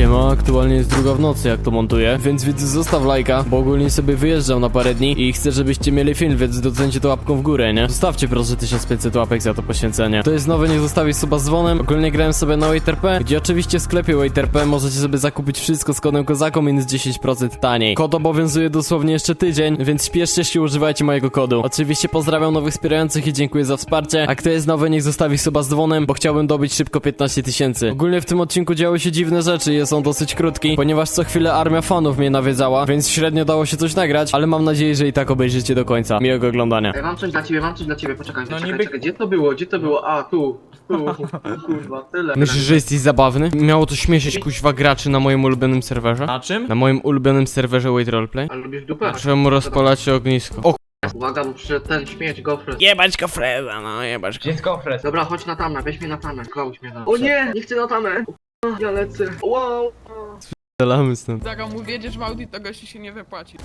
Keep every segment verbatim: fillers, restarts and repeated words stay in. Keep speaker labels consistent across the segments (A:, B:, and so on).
A: Siema, aktualnie jest druga w nocy, jak to montuję, więc widz zostaw lajka, bo ogólnie sobie wyjeżdżam na parę dni i chcę, żebyście mieli film, więc docencie to łapką w górę, nie? Zostawcie proszę tysiąc pięćset łapek za to poświęcenie. To jest nowe, niech zostawić suba z dzwonem. Ogólnie grałem sobie na WaitRP, gdzie oczywiście w sklepie WaitRP możecie sobie zakupić wszystko z kodem Kozako minus dziesięć procent taniej. Kod obowiązuje dosłownie jeszcze tydzień, więc śpieszcie się, używajcie mojego kodu. Oczywiście pozdrawiam nowych wspierających i dziękuję za wsparcie, a kto jest nowy, niech zostawi suba z dzwonem, bo chciałbym dobić szybko piętnaście tysięcy. Ogólnie w tym odcinku działy się dziwne rzeczy, jest on dosyć krótki, ponieważ co chwilę armia fanów mnie nawiedzała, więc średnio dało się coś nagrać, ale mam nadzieję, że i tak obejrzycie do końca. Miłego oglądania.
B: Ja mam coś dla ciebie, mam coś dla ciebie, poczekaj,
C: No
B: poczekaj,
C: niby-
B: czekaj, gdzie to było, gdzie to było, a tu, tu, kurwa, tyle.
A: Myślisz, że jesteś zabawny? Miało to śmieszyć kuźwa graczy na moim ulubionym serwerze?
C: Na czym?
A: Na moim ulubionym serwerze Wait Roleplay?
B: A lubisz dupę?
A: Czemu rozpalacie ognisko? O
B: Uwaga, bo przyszedł ten śmieć, gofres.
A: jebać go Freda, no jebać go.
C: Gdzie jest kofres?
B: Dobra, chodź na tamę, weź mnie na tamę, Klauś mnie na. O nie, nie chcę na tamę. O, ja lecę. Wow.
A: Strzelamy stąd.
D: Jak mu wjedziesz w Audi, to gości się nie wypłaci.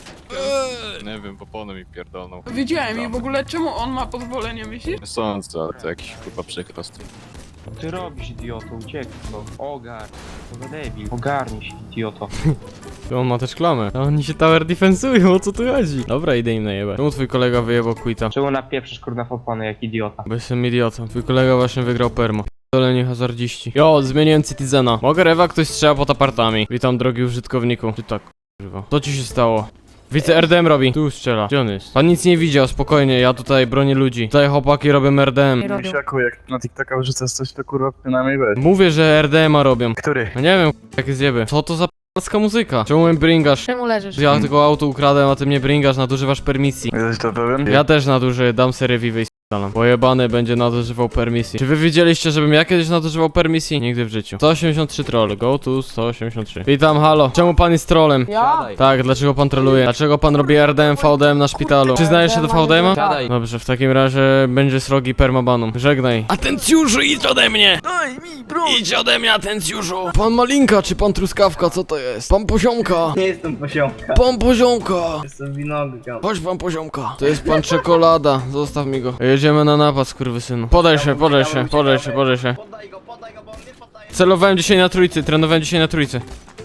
E: Nie wiem, popony mi pierdolną.
D: Widziałem i w ogóle czemu on ma pozwolenie, myślisz?
E: Nie sądzę, ale to jakiś kurwa przykrost.
F: Co ty robisz, idioto? Uciekaj to. Ogar. To za debil. Ogarnij się, idioto.
A: To on ma też klamę. A oni się tower defensują, o co tu chodzi? Dobra, idę im najebać. Czemu twój kolega wyjebał quita?
F: Czemu napieprzysz kurna w opony jak idiota?
A: Bo jestem idiotą. Twój kolega właśnie wygrał permo. Doleni hazardziści. Jo, zmieniłem Citizena. Mogę rewa, ktoś strzela pod apartami. Witam, drogi użytkowniku. Ty tak, kurwa. Co ci się stało? Widzę, R D M robi. Tu strzela. Gdzie on jest? Pan nic nie widział, spokojnie, ja tutaj bronię ludzi. Tutaj chłopaki robią R D M.
G: Misiaku, jak na TikToka wrzucasz coś, to kurwa przynajmniej weź.
A: Mówię, że R D M a robią.
G: Który?
A: No nie wiem, jakie zjeby. Co to za p***acka muzyka? Czemu mnie bringasz?
H: Czemu leżysz?
A: Ja tylko auto ukradłem, a ty mnie bringasz, nadużywasz permisji.
G: Jesteś to pewien?
A: Ja też nadużyję, dam serię Vive i s***alam. Pojebany będzie nadużywał permisji. Czy wy widzieliście, żebym ja kiedyś nadużywał permisji? Nigdy w życiu. sto osiemdziesiąt trzy troll, go to sto osiemdziesiąt trzy. Witam, halo. Czemu pan jest trollem?
D: Ja?
A: Tak, dlaczego pan troluje? Dlaczego pan robi R D M, V D M na szpitalu? Przyznajesz się do V D M-a?
C: Siadaj.
A: Dobrze, w takim razie będzie srogi permabanum. Żegnaj. Atencjuszu, idź ode mnie!
G: Daj mi, bro!
A: Idź ode mnie, atencjuszu! Pan Malinka, czy pan Truskawka, co to jest? Pan Poziomka!
B: Nie jestem poziomka,
A: Pan Poziomka!
B: jestem winogron.
A: Chodź pan Poziomka. To jest pan Czekolada, zostaw mi go. Jedziemy na napad, skurwysynu. Podaj się, podaj się, podaj się, podaj się.
B: Podaj go, podaj go, bo on nie podaje.
A: Celowałem dzisiaj na trójcy, trenowałem dzisiaj na trójcy.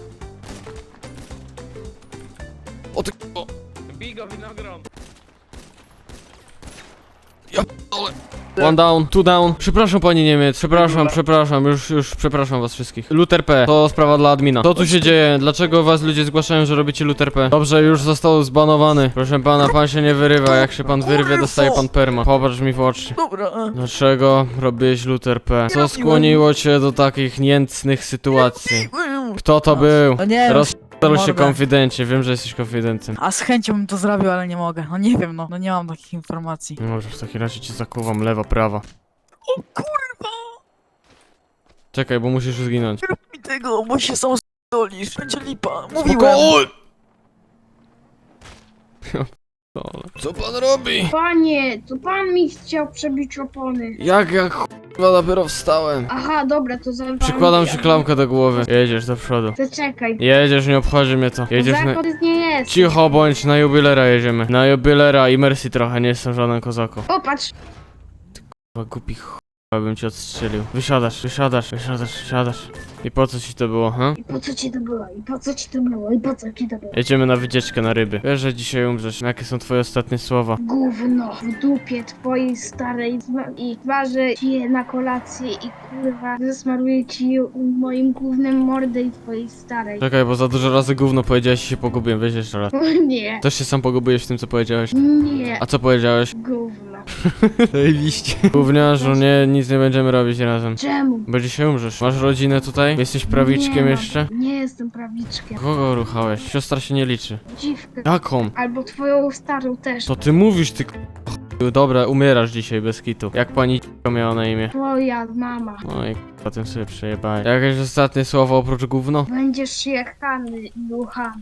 A: O ty k***o.
C: Bigo, winogron.
A: One down, two down. Przepraszam panie Niemiec, przepraszam, przepraszam, już, już przepraszam was wszystkich. Luther P, to sprawa dla admina. Co tu się dzieje? Dlaczego was ludzie zgłaszają, że robicie Luther P? Dobrze, już został zbanowany. Proszę pana, pan się nie wyrywa, jak się pan wyrwie, dostaje pan perma. Popatrz mi w oczy.
G: Dobra,
A: Dlaczego robiłeś Luther P? Co skłoniło cię do takich niecnych sytuacji? Kto to był?
H: No nie wiem,
A: Rozstał się
H: mordę.
A: konfidencie, wiem, że jesteś konfidentem.
H: a z chęcią bym to zrobił, ale nie mogę. No nie wiem, no, no nie mam takich informacji.
A: No dobrze, w takim razie cię zakuwam, lewa, prawa.
H: O kurwa,
A: Czekaj, bo musisz zginąć.
H: nie rób mi tego, bo się sam stolisz. Będzie lipa, mówiłem.
A: Spokojnie! Co pan robi?
I: Panie, to pan mi chciał przebić opony.
A: Jak, jak chyba dopiero wstałem.
I: Aha, dobra, to za
A: Przykładam ci klamkę do głowy. Jedziesz do przodu.
I: Zaczekaj.
A: Jedziesz, nie obchodzi mnie to. Jedziesz na...
I: Kozako nie jest.
A: Cicho bądź, na jubilera jedziemy. Na jubilera i mercy trochę, nie jestem żaden kozako.
I: Popatrz.
A: Chyba głupi ch... bym cię odstrzelił. Wysiadasz, wysiadasz, wysiadasz, wysiadasz. I po co ci to było, ha?
I: I po co ci to było? I po co ci to było? I po co ci to było?
A: Jedziemy na wycieczkę na ryby. Wiesz, że dzisiaj umrzesz. Jakie są twoje ostatnie słowa?
I: Gówno w dupie twojej starej zma- i twarzy ci je na kolację i kurwa zasmaruję ci moim gównem mordę i twojej starej.
A: Czekaj, bo za dużo razy gówno powiedziałeś i się pogubiłem. Weź jeszcze raz.
I: O nie.
A: Też się sam pogubiłeś w tym, co powiedziałeś.
I: Nie.
A: A co powiedziałeś?
I: Gówno.
A: Zajebiście. Gówniarzu, nie, nic nie będziemy robić razem.
I: Czemu?
A: Bo dzisiaj umrzesz. Masz rodzinę tutaj? Jesteś prawiczkiem
I: Nie mam-
A: jeszcze?
I: Nie jestem prawiczkiem.
A: Kogo ruchałeś? Siostra się nie liczy.
I: Dziwkę.
A: Jaką?
I: Albo twoją starą też.
A: To ty mówisz, ty k***. Dobra, umierasz dzisiaj bez kitu. Jak pani c***a miała na imię?
I: Twoja mama.
A: No i k***a, tym sobie przejebałeś. Jakieś ostatnie słowo oprócz gówno?
I: Będziesz jechany i ruchany.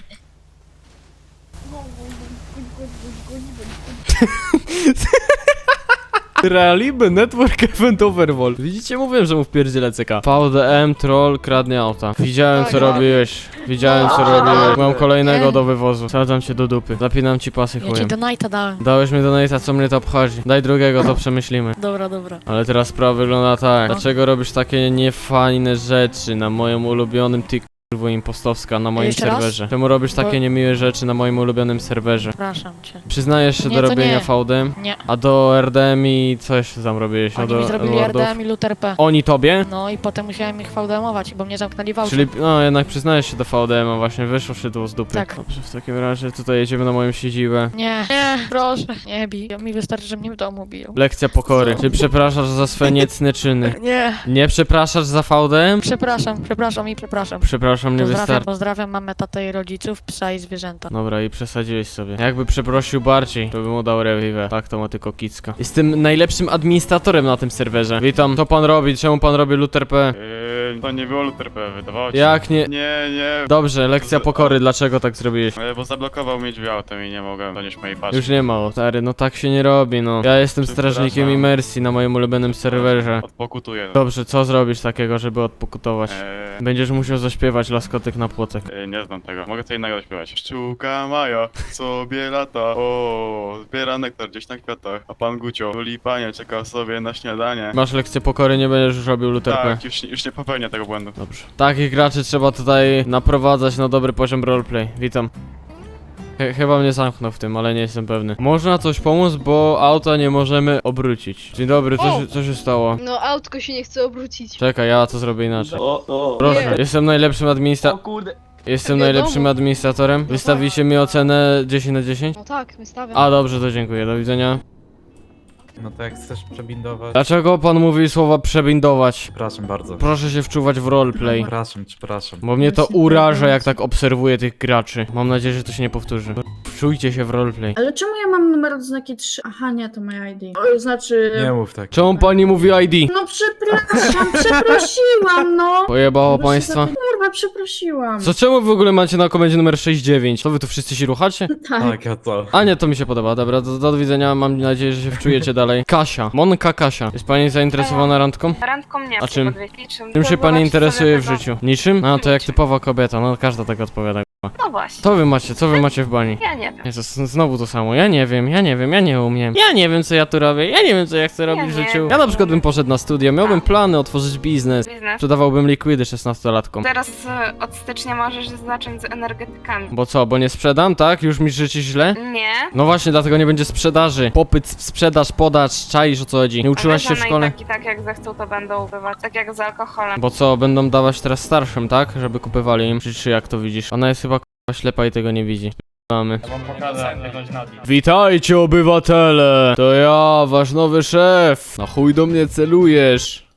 A: Realiby Network Event Overwall. Widzicie, mówiłem, że mu wpierdzielę C K. V D M troll kradnie auta. Widziałem, co robiłeś. Widziałem, co robiłeś. Mam kolejnego do wywozu. Sadzam cię do dupy. Zapinam ci pasy
H: Ja ci
A: chujem.
H: donate'a dałem.
A: Dałeś mi donate'a, co mnie to obchodzi. Daj drugiego, to przemyślimy.
H: Dobra, dobra.
A: Ale teraz sprawa wygląda tak. Dlaczego robisz takie niefajne rzeczy na moim ulubionym tik kurwo impostowska na moim
H: Jeszcze raz?
A: serwerze. Czemu robisz takie
H: Bo-
A: niemiłe rzeczy na moim ulubionym serwerze?
H: Przepraszam cię.
A: Przyznajesz się
H: Nie,
A: do
H: to
A: robienia
H: nie.
A: V D?
H: Nie.
A: A do R D M i co jeszcze tam robiłeś? A
H: Oni
A: do
H: mi zrobili
A: lordów?
H: R D M i Luther P.
A: Oni tobie?
H: No i potem musiałem ich V D M-ować, bo mnie zamknęli w aucie.
A: Czyli, no jednak przyznajesz się do V D M, a właśnie wyszło szydło z dupy.
H: Tak.
A: Dobrze, w takim razie tutaj jedziemy na moją siedzibę.
H: Nie, nie, proszę, nie bij. Mi wystarczy, że mnie w domu biją.
A: Lekcja pokory. Czy przepraszasz za swoje niecne czyny?
H: Nie.
A: Nie przepraszasz za V D M?
H: Przepraszam, przepraszam i przepraszam.
A: Przepraszam, nie
H: Pozdrawiam,
A: wystarczy.
H: pozdrawiam mamę, tatę i rodziców, psa i zwierzęta.
A: Dobra, i przesadziłeś sobie. Jakby przeprosił bardziej, to bym mu dał rewiwę. Tak, to ma tylko kicka. Jestem najlepszym administratorem na tym serwerze. Witam, co pan robi? Czemu pan robi Luther P?
C: Yy, to nie było Luther P, wydawało ci się.
A: Jak nie?
C: Nie, nie,
A: Dobrze, lekcja pokory, dlaczego tak zrobiłeś?
C: e, bo zablokował mnie drzwi autem i nie mogłem donieść mojej paczki.
A: Już nie ma, o, stary, no tak się nie robi, no. Ja jestem
C: Przepraszam.
A: strażnikiem imersji na moim ulubionym serwerze.
C: Odpokutuję.
A: Dobrze, co zrobisz takiego, żeby odpokutować?
C: Eee,
A: Będziesz musiał zaśpiewać laskotek na płotek.
C: e, nie znam tego. Mogę co innego śpiewać. Pszczółka Maja sobie lata. O, zbiera nektar gdzieś na kwiatach. A pan Gucio, tulipanie, czekał sobie na śniadanie.
A: Masz lekcję pokory, nie będziesz już robił Luther P.
C: Tak, już, nie- już nie popełnię tego błędu.
A: Dobrze. Takich graczy trzeba tutaj naprowadzać na dobry poziom roleplay. Witam. Ch chyba mnie zamknął w tym, ale nie jestem pewny. Można coś pomóc, bo auta nie możemy obrócić. Dzień dobry, co, się, co się stało?
J: No autko się nie chce obrócić.
A: Czekaj, ja to zrobię inaczej.
G: O, o.
A: Proszę,
J: Nie.
A: jestem najlepszym administra...
F: kurde.
A: Jestem
J: Wiadomo.
A: najlepszym administratorem. Wystawicie mi ocenę dziesięć na dziesięć?
J: No tak, wystawiam.
A: A dobrze, to dziękuję, do widzenia.
G: No to jak chcesz przebindować...
A: Dlaczego pan mówi słowa przebindować?
G: Przepraszam bardzo.
A: Proszę się wczuwać w roleplay.
G: Przepraszam, przepraszam.
A: Bo mnie to uraża, jak tak obserwuję tych graczy. Mam nadzieję, że to się nie powtórzy. Wczujcie się w roleplay.
K: Ale czemu ja mam numer odznaki trzy? Aha, nie, to moja I D. O, znaczy...
G: Nie mów tak.
A: Czemu pani mówi I D?
K: No przepraszam, przeprosiłam, no!
A: Pojebało
K: Bo się
A: państwa?
K: zapy- Kurwa, przeprosiłam.
A: Co, czemu w ogóle macie na komendzie numer sześćdziesiąt dziewięć? To wy tu wszyscy się ruchacie?
K: Tak.
G: Tak, ja to.
A: A nie, to mi się podoba. Dobra, do, do widzenia. Mam nadzieję, że się wczujecie dalej. Kasia. Monka Kasia. Jest pani zainteresowana randką?
J: Randką nie,
A: A czym?
J: czym?
A: Czym się pani interesuje w życiu? Niczym? A, to jak typowa kobieta. No, każda tak odpowiada.
J: No właśnie,
A: Co wy macie? Co wy macie w bani?
J: ja nie wiem.
A: Jezus, znowu to samo. Ja nie wiem, ja nie wiem, ja nie umiem. Ja nie wiem, co ja tu robię. Ja nie wiem, co ja chcę robić w
J: nie
A: życiu.
J: wiem.
A: Ja na przykład bym poszedł na studia. Miałbym plany otworzyć biznes.
J: Biznes.
A: Sprzedawałbym likwidy szesnastolatkom.
J: Teraz e, od stycznia możesz zacząć z energetykami.
A: Bo co, bo nie sprzedam, tak? Już mi życzy źle?
J: Nie.
A: No właśnie, dlatego nie będzie sprzedaży. Popyt, sprzedaż, podaż, czaisz o co chodzi. Nie uczyłaś się w szkole?
J: I tak jak zechcą, to będą ubywać. Tak jak z alkoholem.
A: Bo co, będą dawać teraz starszym, tak? Żeby kupywali im. Czy, czy jak to widzisz? Ona jest chyba k***a ślepa i tego nie widzi. Mamy. Witajcie obywatele! To ja, wasz nowy szef! Na chuj do mnie celujesz?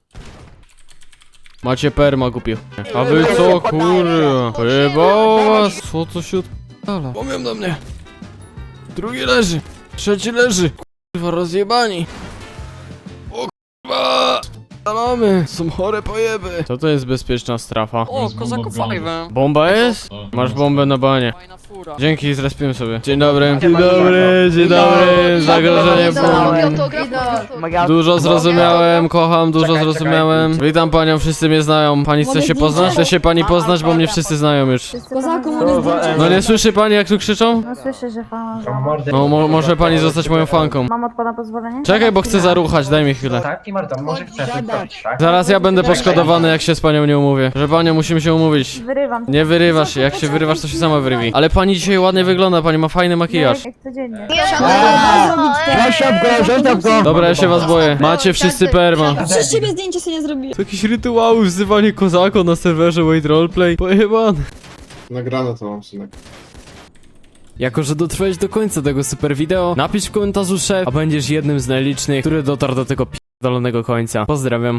A: Macie perma, głupie chuje. A wy co, kurwa? Pojebało was? Co to się odpala? Powiem do mnie. Drugi leży. Trzeci leży. Kurwa, rozjebani. O kurwa! Spalamy. Są chore pojeby. Co to jest bezpieczna strefa?
H: O, kozaku fajwę.
A: Bomba jest? Masz bombę na banie. Dzięki, zrespiłem sobie. Dzień dobry. Dzień dobry, dzień dobry. Zagrożenie bomb. Dużo zrozumiałem, kocham, dużo zrozumiałem. Witam panią, wszyscy mnie znają. Pani chce się poznać? Chce się pani poznać, bo mnie wszyscy znają już.
K: Kozaku,
A: No nie słyszy pani, jak tu krzyczą?
K: No słyszę, że fan.
A: No mo może pani zostać moją fanką.
K: Mam od pana pozwolenie?
A: Czekaj, bo chcę zaruchać, daj mi chwilę.
B: Tak, i Marta, może chcesz zrobić, tak?
A: Zaraz ja będę poszkodowany, jak się z panią nie umówię. Że panią musimy się umówić.
K: Wyrywam.
A: Nie wyrywasz się, jak się wyrywasz, to się sama wyrywij. Ale pani dzisiaj ładnie wygląda, pani ma fajny makijaż.
K: Jak codziennie.
A: Dobra, ja się was boję. Macie wszyscy perma.
K: Przez ciebie zdjęcie sobie nie zrobiłem.
A: To jakieś rytuały, wzywanie kozako na serwerze Wait Roleplay. Pojebane.
C: Nagrane to mam, synek.
A: Jako, że dotrwałeś do końca tego super wideo, napisz w komentarzu szef, a będziesz jednym z najlicznych, który dotarł do tego p***dolonego końca. Pozdrawiam.